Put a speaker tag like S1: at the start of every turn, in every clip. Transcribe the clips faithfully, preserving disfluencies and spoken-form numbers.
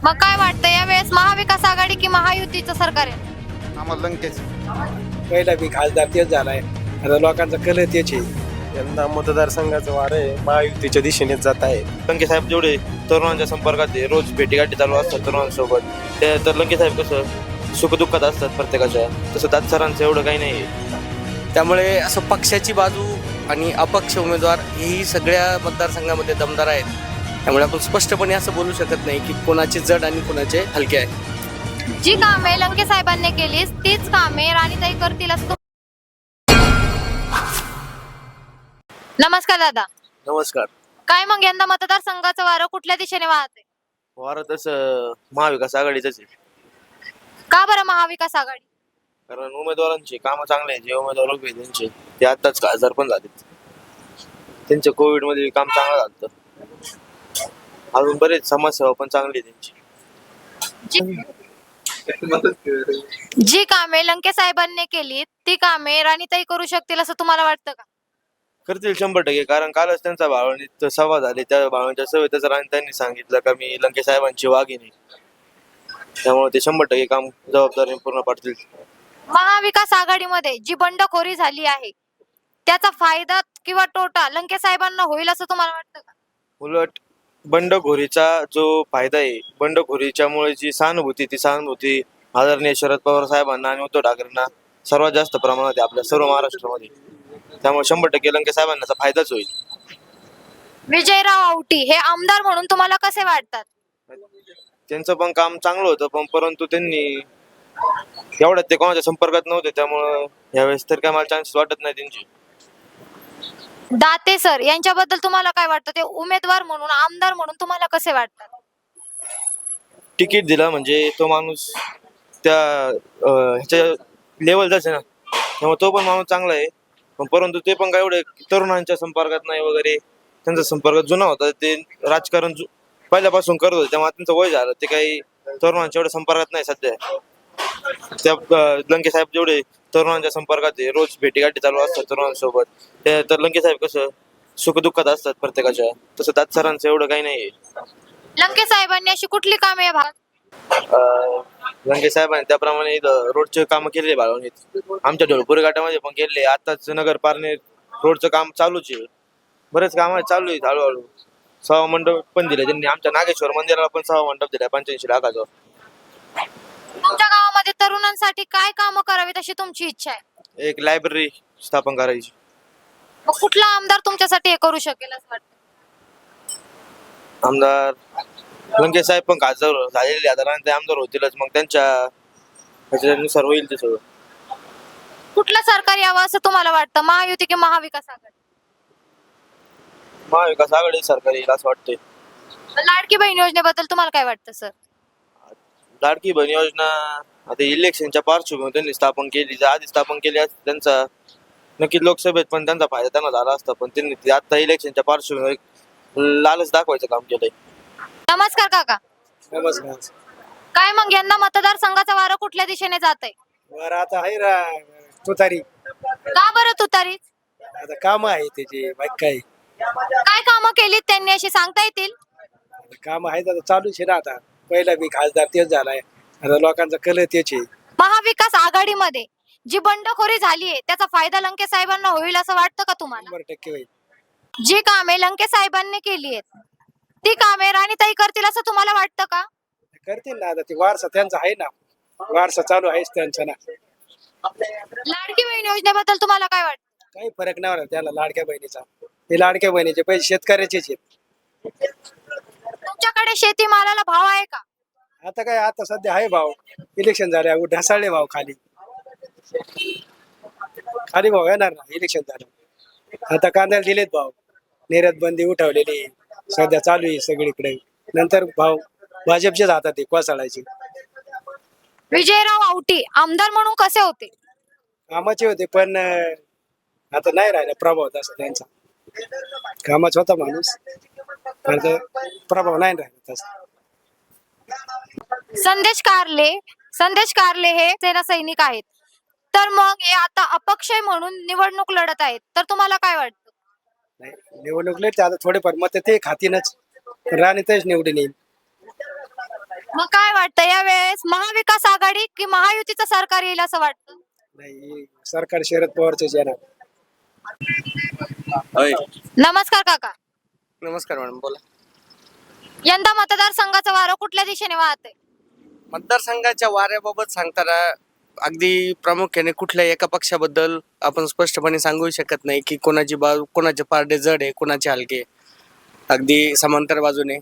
S1: मग काय वाटतं यावेळेस महाविकास आघाडी की महायुतीचं सरकार आहे?
S2: आम्हाला लंकेश
S3: पहिला बी खासदार तेच झालाय, आता लोकांचा कल तेच आहे.
S4: यंदा मतदारसंघाचं वारं आहे महायुतीच्या दिशेने जात आहे.
S5: लंके साहेब जेवढे तरुणांच्या संपर्कात आहे, रोज भेटीगाठी चालू असतात तरुणांसोबत, ते तर लंके साहेब कसं सुखदुःखात असतात प्रत्येकाच्या, तसं दात सरांचं एवढं काही नाही आहे.
S6: त्यामुळे असं पक्षाची बाजू आणि अपक्ष उमेदवार हेही सगळ्या मतदारसंघामध्ये दमदार आहेत. त्यामुळे आपण स्पष्टपणे असं बोलू शकत नाही की कोणाचे जड आणि कोणाचे हलके आहे.
S1: जी कामे लंके साहेबांनी केली तीच कामे राणीताई करतील असं तुम- नमस्कार दादा,
S5: नमस्कार.
S1: काय मग यंदा मतदारसंघाचं वारं कुठल्या दिशेने वाहत आहे?
S5: वारं तसं महाविकास आघाडीचंच आहे,
S1: का बरं महाविकास आघाडी?
S5: कारण उमेदवारांची कामं चांगले आहेत. जे उमेदवार उभे आहेत त्यांचे ते आत्ताच खासदार पण झालेत. त्यांच्या कोविड मध्ये काम चांगलं झालं. अजून बरेच समाजसेवा पण चांगली आहे त्यांची.
S1: जी जी कामे लंके साहेबांनी केली ती कामे राणीताई करू शकतील असं तुम्हाला वाटतं का?
S5: करतील शंभर टक्के, कारण कालच त्यांचा भावनीत सभा झाली. त्या भावनेच्या सभेतच राणी त्यांनी सांगितलं का मी लंके साहेबांची वाघिणी, त्यामुळे ते शंभर टक्के काम जबाबदारीने पूर्ण पाडतील.
S1: महाविकास आघाडीमध्ये जी बंडखोरी झाली आहे त्याचा फायदा किंवा तोटा लंके साहेबांना होईल असं तुम्हाला वाटतं का?
S5: उलट बंडखोरीचा जो फायदा आहे, बंडखोरीच्यामुळे जी सहानुभूती ती सहानुभूती आदरणीय शरद पवार साहेबांना आणि उद्धव ठाकरेंना सर्वात जास्त प्रमाणात आहे आपल्या सर्व महाराष्ट्रामध्ये. त्यामुळे शंभर टक्के लंके साहेबांना त्याचा फायदाच होईल.
S1: विजयराव औटी हे आमदार म्हणून तुम्हाला कसे वाटतात?
S5: त्यांचं पण काम चांगलं होतं, पण परंतु त्यांनी एवढ्यात ते कोणाच्या संपर्कात नव्हते, त्यामुळं यावेळेस तर काय मला चान्स वाटत नाही त्यांची.
S1: दाते सर यांच्याबद्दल तुम्हाला काय वाटतं? ते उमेदवार म्हणून आमदार म्हणून तुम्हाला कसे वाटतात?
S5: तिकीट दिलं म्हणजे तो माणूस त्या अं, ह्याच्या लेवलचाच आहे ना, त्यामुळे तो पण माणूस चांगला आहे. पण परंतु ते पण काय एवढे तरुणांच्या संपर्कात नाही वगैरे. त्यांचा संपर्क जुना होता, ते राजकारण जु- पहिल्यापासून करत होते, त्यामुळे त्यांचं वय झालं, ते काही तरुणांच्या एवढ्या संपर्कात नाही सध्या. त्या अं, लंके साहेब जेवढे तरुणांच्या संपर्कात आहे, रोज भेटीगाठी चालू असतात तरुणांसोबत, ते तर लंके साहेब कसं सुखदुःखात असतात प्रत्येकाच्या, तसं दात सरांचं एवढं काही नाही आहे.
S1: लंके साहेबांनी अशी कुठली कामे या भागात?
S5: अं, लंके साहेबांनी त्याप्रमाणे इथं रोडचे कामं केले बाळवणीत. आमच्या ढोलपुरी घाटामध्ये पण केले. आताच नगर पारनेर रोडचं काम चालूच आहे. बरेच काम चालू आहेत हळूहळू. सभा मंडप पण दिले त्यांनी. आमच्या नागेश्वर मंदिराला पण सभा मंडप दिला पंच्याऐंशी लाखाचा.
S1: तुमच्या गावामध्ये तरुणांसाठी काय कामं करावीत अशी तुमची इच्छा आहे?
S5: एक लायब्ररी स्थापन करायची.
S1: मग कुठला आमदार तुमच्यासाठी हे करू शकेल असं वाटतं?
S5: आमदार लंके साहेब पण खासदार झालेले, आता ते आमदार होतीलच, मग त्यांच्या ह्याच्यानुसार होईल ते सगळं.
S1: कुठलं सरकार यावं असं तुम्हाला वाटतं? महायुती की महाविकास आघाडी?
S5: महाविकास आघाडी सरकार येईल असं वाटतंय.
S1: लाडकी बहीण योजनेबद्दल तुम्हाला काय वाटतं सर?
S5: लाडकी बहीण योजना आता इलेक्शनच्या पार्श्वभूमीवर त्यांनी स्थापन केली. जर आधी स्थापन केली असती त्यांचा नक्की लोकसभेत पण त्यांचा फायदा त्यांना झाला असता, पण त्यांनी ते आता इलेक्शनच्या पार्श्वभूमीवर लालच दाखवायचं काम केलंय.
S1: नमस्कार काका,
S3: नमस्कार.
S1: काय मग यंदा मतदारसंघाचा वारं कुठल्या दिशेने जात आहे?
S3: बरं आता आहे रा तुतारी,
S1: का बरं तुतारी?
S3: आता काम आहे त्याची बाकी काय
S1: काय कामं केलीत त्यांनी अशी सांगता येतील?
S3: काम आहे, आता चालूच आहे ना. आता पहिला बी खासदार तेच झालाय, आता लोकांचा कल तेच आहे.
S1: महाविकास आघाडीमध्ये जी बंडखोरी झाली आहे त्याचा फायदा लंके साहेबांना होईल असं वाटतं का तुम्हाला?
S3: शंभर टक्के होईल.
S1: जी कामे लंके साहेबांनी केली आहेत ती कामे राणीताई करतील असं तुम्हाला वाटतं का?
S3: करतील ना, आता ते वारसा त्यांचा आहे ना, वारसा चालू आहेच त्यांचा ना.
S1: लाडकी बहीण योजनेबद्दल तुम्हाला काय वाटतं?
S3: काही फरक नाही होणार त्याला लाडक्या बहिणीचा. ते लाडक्या बहिणीचे पैसे शेतकऱ्याचेच आहेत.
S1: तुमच्याकडे शेतीमालाला भाव आहे का?
S3: आता काय, आता सध्या आहे भाव. इलेक्शन झाल्या ढासाळले भाव खाली खाली भाव येणार ना. इलेक्शन झालं आता कांद्याला दिलेत भाव. निर्यात बंदी उठवलेली सध्या चालू आहे सगळीकडे. नंतर भाव भाजपच्याच हातात आहे कोसळायचे.
S1: विजयराव औटी आमदार म्हणून कसे होते?
S3: कामाचे होते, पण अं, आता नाही राहिला प्रभाव तसा त्यांचा. कामाचा होता माणूस, पण आता प्रभाव नाही राहिला तसा.
S1: संदेश कारले संदेश कारले हे सेना सैनिक आहेत, तर मग हे आता अपक्ष म्हणून निवडणूक लढत आहेत, तर तुम्हाला काय वाटतं?
S3: नाही, निवडणूक लढते आता थोडेफार मत ते खातीनच, राणीतच निवडून येईल.
S1: मग यावेळेस महाविकास आघाडी की महायुतीचं सरकार येईल असं वाटतं?
S3: नाही, सरकार शरद पवारचेच येणार.
S1: नमस्कार काका.
S6: नमस्कार मॅडम, बोला.
S1: यंदा मतदारसंघाचं वारं कुठल्या दिशेने वाहत आहे?
S6: मतदारसंघाच्या वाऱ्याबाबत सांगताना अगदी प्रामुख्याने कुठल्याही एका पक्षाबद्दल आपण स्पष्टपणे सांगू शकत नाही की कोणाची बाजू, कोणाचे पारडे जड आहे, कोणाचे हलके. अगदी समांतर बाजूने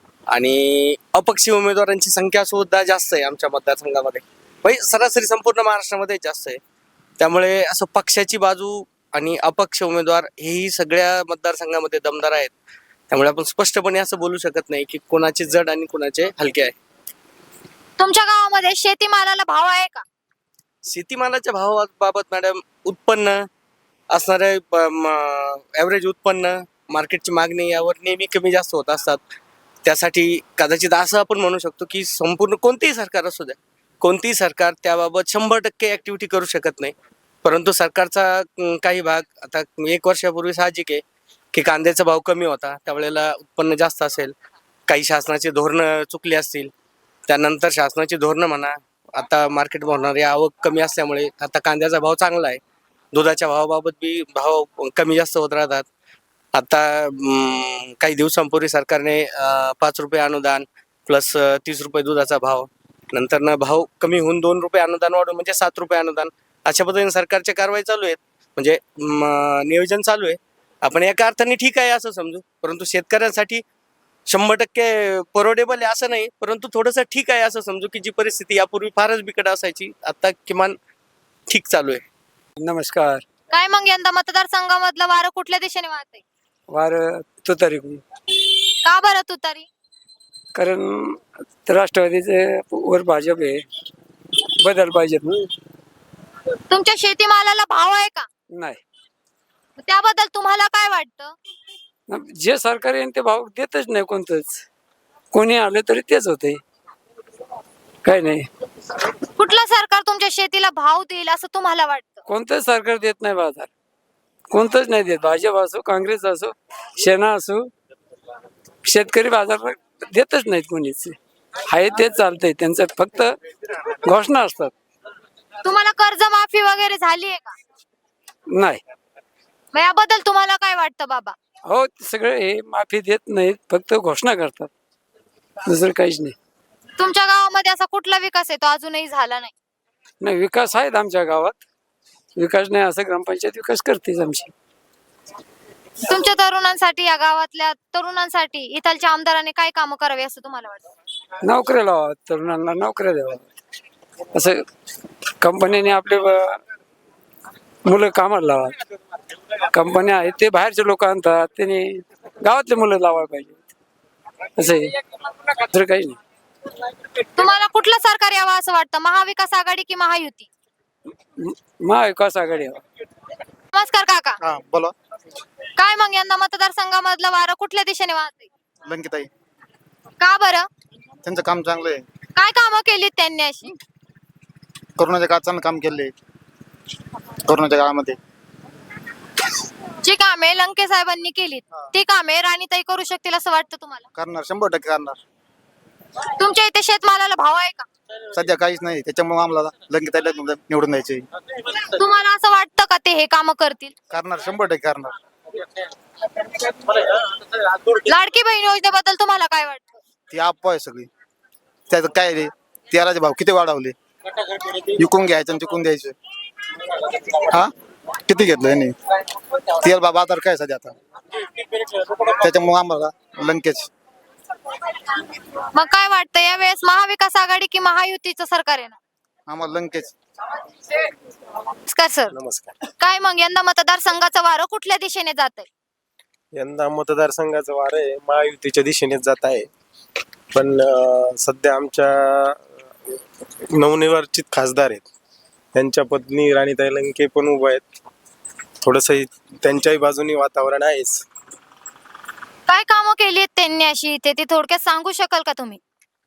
S6: आणि अपक्षी उमेदवारांची संख्या सुद्धा जास्त आहे आमच्या मतदारसंघामध्ये, म्हणजे सरासरी संपूर्ण महाराष्ट्रामध्ये जास्त आहे. त्यामुळे असं पक्षाची बाजू आणि अपक्ष उमेदवार हेही सगळ्या मतदारसंघामध्ये दमदार आहेत. त्यामुळे आपण स्पष्टपणे असं बोलू शकत नाही की कोणाचे जड आणि कोणाचे हलके आहे.
S1: तुमच्या गावामध्ये शेतीमालाला भाव आहे का?
S6: शेतीमालाच्या भावाबाबत मॅडम, उत्पन्न असणारे ॲव्हरेज उत्पन्न, मार्केटची मागणी यावर नेहमी कमी जास्त होत असतात. त्यासाठी कदाचित असं आपण म्हणू शकतो की संपूर्ण कोणतेही सरकार असू द्या, कोणतेही सरकार त्याबाबत शंभर टक्के ॲक्टिव्हिटी करू शकत नाही. परंतु सरकारचा अं, काही भाग, आता एक वर्षापूर्वी साहजिक आहे की कांद्याचा भाव कमी होता, त्यावेळेला उत्पन्न जास्त असेल. काही शासनाची धोरणं चुकली असतील, त्यानंतर शासनाची धोरणं म्हणा, आता मार्केट होणारी आवक कमी असल्यामुळे आता कांद्याचा भाव चांगला आहे. दुधाच्या भावाबाबत बी भाव कमी जास्त होत राहतात. आता अं, काही दिवसांपूर्वी सरकारने अं, पाच रुपये अनुदान प्लस तीस रुपये दुधाचा भाव, नंतर भाव कमी होऊन दोन रुपये अनुदान वाढून म्हणजे सात रुपये अनुदान, अशा पद्धतीने सरकारच्या कारवाई चालू आहेत. म्हणजे म, नियोजन चालू आहे. आपण एका अर्थाने ठीक आहे असं समजू, परंतु शेतकऱ्यांसाठी शंभर टक्के परवडेबल आहे असं नाही, परंतु थोडंसं ठीक आहे असं समजू की जी परिस्थिती यापूर्वी फारच बिकट असायची, आता किमान ठीक चालू आहे.
S3: नमस्कार.
S1: काय मग यंदा मतदारसंघामधलं वारं कुठल्या दिशेने वाहत आहे?
S3: वार तुतारी,
S1: का बरं तुतारी?
S3: कारण राष्ट्रवादीचे वर भाजप आहे, बदल पाहिजेत ना.
S1: तुमच्या शेतीमालाला भाव आहे का?
S3: नाही,
S1: त्याबद्दल तुम्हाला काय वाटतं?
S3: जे सरकार येईल ते भाव देतच नाही कोणतंच. कोणी आलं तरी तेच होते, काय नाही.
S1: कुठलं सरकार तुमच्या शेतीला भाव देईल असं तुम्हाला वाटतं?
S3: कोणतंच सरकार देत नाही बाजार, कोणतंच नाही देत. भाजप असो, काँग्रेस असो, सेना असो, शेतकरी बाजार देतच नाहीत कोणीच. आहे तेच चालतंय त्यांचं, फक्त घोषणा असतात.
S1: तुम्हाला कर्जमाफी वगैरे झाली आहे का?
S3: नाही,
S1: मग याबद्दल तुम्हाला काय वाटतं बाबा?
S3: हो, सगळे हे माफी देत नाहीत, फक्त घोषणा करतात, दुसरं काहीच नाही.
S1: तुमच्या गावामध्ये असा कुठला विकास आहे तो अजूनही झाला नाही?
S3: नाही, विकास आहेत आमच्या गावात. विकास नाही असं ग्रामपंचायत विकास करतेच आमची.
S1: तुमच्या तरुणांसाठी, या गावातल्या तरुणांसाठी इथलच्या आमदारांनी काय कामं करावी असं तुम्हाला वाटतं?
S3: नोकऱ्या लावा, तरुणांना नोकऱ्या द्यावा. असं कंपन्यांनी आपले ब- मुलं कामाला लावा. कंपन्या आहेत ते बाहेरचे लोक आणतात, त्यांनी गावातले मुलं लावायला पाहिजे. असं आहे, दुसरं काही नाही.
S1: तुम्हाला कुठलं सरकार यावं असं वाटतं, महाविकास आघाडी की महायुती?
S3: म- महाविकास आघाडी हवा.
S1: नमस्कार काका.
S2: हा बोला.
S1: काय मग यंदा मतदारसंघामधलं वारं कुठल्या दिशेने वाहतंय?
S2: लंकिताई,
S1: का बरं?
S2: त्यांचं काम चांगलं आहे.
S1: काय कामं केलीत त्यांनी अशी?
S2: कोरोनाच्या काळात चांगलं काम केलंय. कोरोनाच्या काळामध्ये
S1: जी कामे लंके साहेबांनी केलीत ती कामे राणीताई करू शकतील असं वाटतं तुम्हाला?
S2: करणार, शंभर टक्के करणार.
S1: तुमच्या इथे शेतमालाला भाव आहे का?
S2: सध्या काहीच नाही, त्याच्यामुळे आम्हाला लंकिताईला निवडून द्यायचे.
S1: तुम्हाला असं वाटतं का ते हे काम करतील?
S2: करणार, शंभर टक्के करणार.
S1: लाडकी बहीण योजनेबद्दल तुम्हाला काय वाटतं?
S2: ती अफवा आहे सगळी. त्याचं काय रे, तेलाचे भाव किती वाढवले, विकून घ्यायचं आणि विकून द्यायचं. हा किती घेतलं यांनी तेल, बा बाजार काय सध्या आता, त्याच्यामुळे आम्हाला लंकेच.
S1: मग काय वाटतं यावेळेस महाविकास आघाडी की महायुतीचं सरकार आहे ना?
S2: आम्हाला लंकेच.
S1: नमस्कार सर.
S4: नमस्कार.
S1: काय मग यंदा मतदारसंघाचं वारं कुठल्या दिशेने जात आहे?
S4: यंदा मतदारसंघाचं वार आहे महायुतीच्या दिशेनेच जात आहे. पण अं, सध्या आमच्या नवनिर्वाचित खासदार आहेत, त्यांच्या पत्नी राणीताई लंके पण उभा आहेत. थोडस त्यांच्याही बाजूनी वातावरण आहेच.
S1: काय कामं केली आहेत त्यांनी अशी इथे, ते थोडक्यात सांगू शकाल का तुम्ही?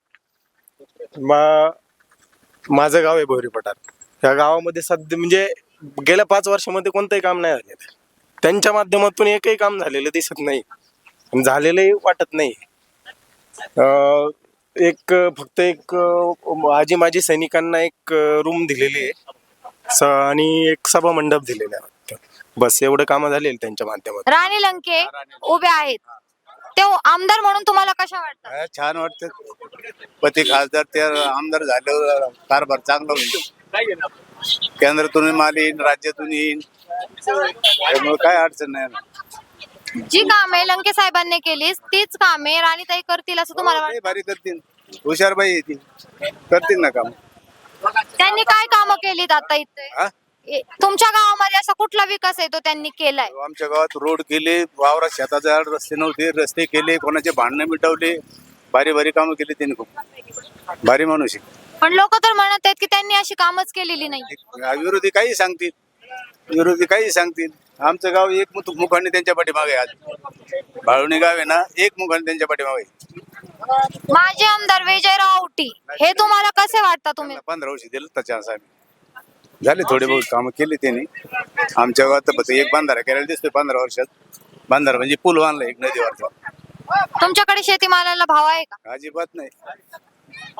S4: मा माझं गाव आहे भोरी पठार. या गावामध्ये सध्या म्हणजे गेल्या पाच वर्षामध्ये कोणतंही काम नाही झालेलं. त्यांच्या माध्यमातून एकही काम झालेलं दिसत नाही, झालेलंही वाटत नाही. अं, एक अं, फक्त एक अं, आजी माजी सैनिकांना एक रूम दिलेली आहे स- आणि एक सभा मंडप दिलेला आहे वाटतं. बस एवढं कामं झालेली त्यांच्या माध्यमातून.
S1: राणी लंके उभे आहेत, ते आमदार म्हणून तुम्हाला कशा वाटतात?
S2: छान वाटतं पती खासदार ते आमदार झाल्यावर कारभार चांगला होईल. केंद्रातून माल येईन, राज्यातून येईन, त्यामुळे काय अडचण नाही.
S1: जी कामे लंके साहेबांनी केली तीच कामे राणीताई करतील असं तुम्हाला
S2: लय
S1: वाटतं?
S2: भारी करतील, हुशारबाई येतील, करतील ना काम.
S1: त्यांनी काय कामं केलीत आता इथे?
S2: हा?
S1: ए- तुमच्या गावामध्ये असा कुठला विकास आहे तो त्यांनी केलाय?
S2: आमच्या गावात रोड केले, वावरात शेताच्या आड रस्ते नव्हते, रस्ते केले, कोणाचे भांडणं मिटवले, भारी भारी कामं केली त्यांनी. खूप भारी माणूस आहे.
S1: पण लोक तर म्हणत आहेत की त्यांनी अशी कामच केलेली नाही.
S2: विरोधी काही सांगतील, विरोधी काही सांगतील. आमचं गाव एक मुख- मुखाने त्यांच्या पाठीमागे आहे. आज बाळवणी गाव आहे ना, एक मुखाने त्यांच्या पाठीमागे आहे.
S1: माजी आमदार विजयराव औटी हे तुम्हाला कसे वाटतात तुम्ही?
S2: पंधरा वर्ष दिलं तर चान्स आम्ही झाले, थोडे बहुत कामं केली त्यांनी. आमच्या गावात तर फक्त एक बांधारा करायला दिसतोय पंधरा वर्षात. बांधारा म्हणजे पूल बांधला एक नदीवरचा.
S1: तुमच्याकडे शेतीमालाला भाव आहे का?
S2: अजिबात नाही.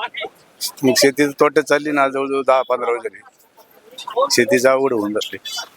S2: मग शेती तोट्यात चालली ना, जवळजवळ दहा पंधरा वर्ष झाली. शेतीचा आवड होऊन बसली.